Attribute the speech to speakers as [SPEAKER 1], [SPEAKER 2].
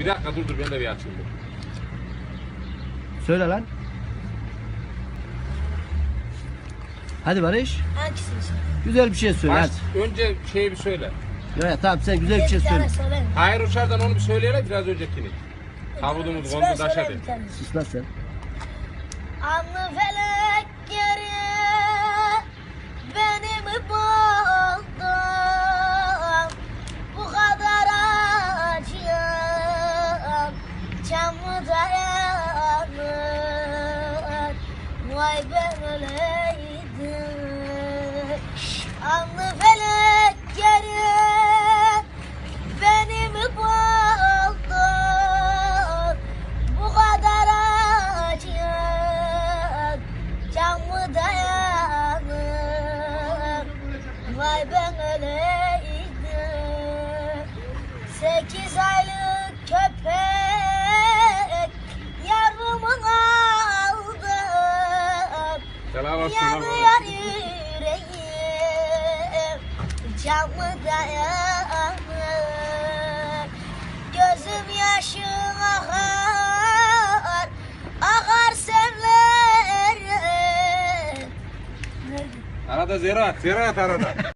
[SPEAKER 1] Bir dakika dur ben de bir açayım.
[SPEAKER 2] Söyle lan. Hadi Barış.
[SPEAKER 3] Hangisini söyle?
[SPEAKER 2] Güzel bir şey söyle
[SPEAKER 1] Baş,
[SPEAKER 2] hadi.
[SPEAKER 1] önce şeyi bir söyle.
[SPEAKER 2] Ya, tamam sen güzel bir şey
[SPEAKER 3] Bir tane
[SPEAKER 2] söyle.
[SPEAKER 3] söyle.
[SPEAKER 1] Hayır uçardan onu bir söyleyelim biraz öncekini. Kavudumuz
[SPEAKER 3] Söyle,
[SPEAKER 1] kondu taş
[SPEAKER 3] söyle
[SPEAKER 1] hadi.
[SPEAKER 3] bir tane.
[SPEAKER 2] Sus lan sen.
[SPEAKER 3] Anlı felek geri beni mi buldun? Bu kadar acıyım, can mı dayanır? Vay ben öleydim. Anlı felek geri beni mi buldun? Bu kadar acıyım, can mı dayanır? Vay ben öleydim. 8 aylık köpek yavrumu aldım.
[SPEAKER 1] Helal olsun.
[SPEAKER 3] Yanıyor yüreğim, can mı dayanır? Gözüm yaşım akar, akar sevlerim.
[SPEAKER 1] Arada ziraat arada.